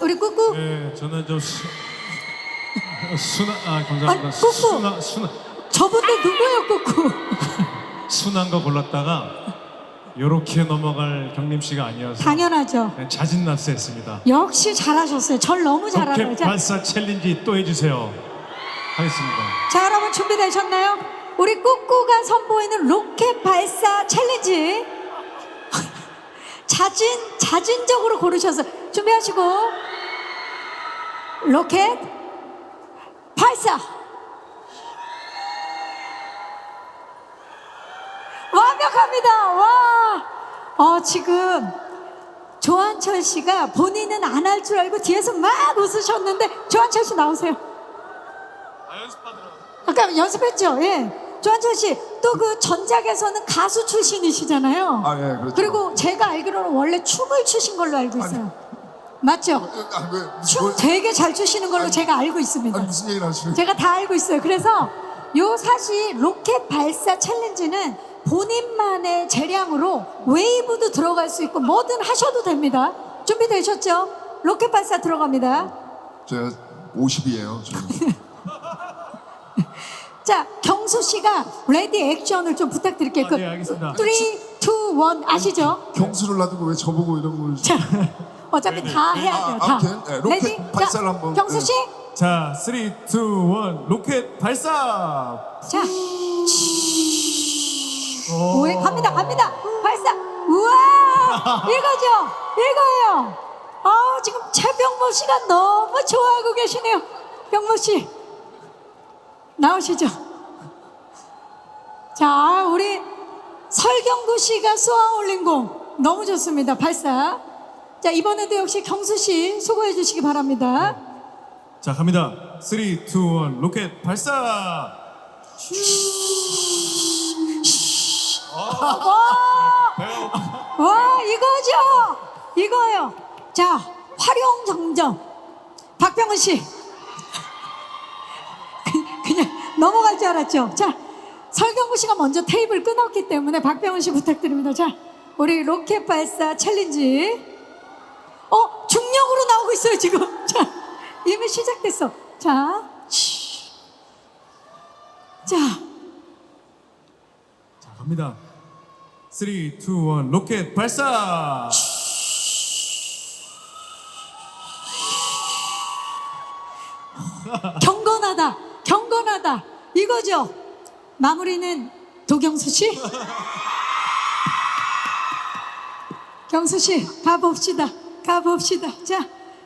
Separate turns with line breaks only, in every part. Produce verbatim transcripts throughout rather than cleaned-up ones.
우리 꾸꾸.
네, 저는 좀 수, 순한 아 감사합니다.
아니, 꾸꾸.
순한 순한
저분들 누구예요, 꾸꾸?
순한 거 골랐다가 요렇게 넘어갈 경림 씨가 아니어서
당연하죠.
네, 자진납세했습니다.
역시 잘하셨어요. 절 너무 잘하네요.
로켓
자,
발사 챌린지 또 해주세요. 하겠습니다.
자, 여러분 준비되셨나요? 우리 꾸꾸가 선보이는 로켓 발사 챌린지. 자진, 자진적으로 고르셔서 준비하시고. 로켓 발사. 완벽합니다. 와. 어, 지금 조한철 씨가 본인은 안 할 줄 알고 뒤에서 막 웃으셨는데, 조한철 씨 나오세요.
아 연습하더라.
아까 연습했죠? 예. 조한철 씨, 또 그 전작에서는 가수 출신이시잖아요.
아, 예, 그렇죠.
그리고 제가 알기로는 원래 춤을 추신 걸로 알고 있어요. 맞죠?
아, 왜,
춤
뭘-
되게 잘 추시는 걸로
아니,
제가 알고 있습니다.
아니 무슨 얘기를 하시는?
제가 다 알고 있어요. 그래서 요 사실 로켓 발사 챌린지는 본인만의 재량으로 웨이브도 들어갈 수 있고 뭐든 하셔도 됩니다. 준비되셨죠? 로켓 발사 들어갑니다.
제가 오십이에요. 저는.
자, 경수 씨가 레디 액션을 좀 부탁드릴게요.
아, 네, 알겠습니다.
삼, 이, 일 아시죠?
경수를 놔두고 왜 저보고 이런 걸?
자, 어차피 다 해야 돼요.
아,
다.
아무튼, 네, 로켓
레디?
발사를
자,
한번,
경수
네.
씨,
자, 삼, 이, 일 로켓 발사.
자, 오해 갑니다, 갑니다. 발사. 우와, 이거죠, 이거예요. 아, 지금 최병모 씨가 너무 좋아하고 계시네요. 병모 씨, 나오시죠. 자, 우리 설경구 씨가 쏘아 올린 공 너무 좋습니다. 발사. 자, 이번에도 역시 경수 씨 수고해 주시기 바랍니다.
자 갑니다. 삼, 이, 일 로켓 발사.
와, 이거죠, 이거요. 자, 활용 정정. 박병훈 씨, 그- 그냥 넘어갈 줄 알았죠. 자, 설경구 씨가 먼저 테이블 끊었기 때문에 박병훈 씨 부탁드립니다. 자, 우리 로켓 발사 챌린지. 어, 중력으로 나오고 있어요 지금. 자, 이미 시작됐어. 자, 치. 자,
자 갑니다. 삼, 이, 일 로켓 발사.
경건하다, 경건하다. 이거죠. 마무리는 도경수 씨. 경수 씨, 가봅시다. 가봅시다. 자,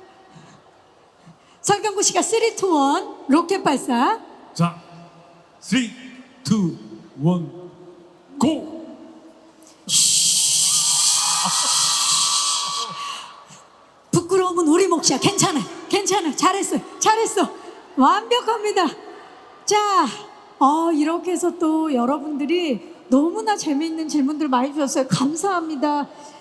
설경구 씨가 삼, 이, 일 로켓 발사.
자, 삼, 이, 일 고.
부끄러움은 우리 몫이야. 괜찮아, 괜찮아. 잘했어, 잘했어. 완벽합니다. 자, 어, 이렇게 해서 또 여러분들이 너무나 재미있는 질문들 많이 주셨어요. 감사합니다.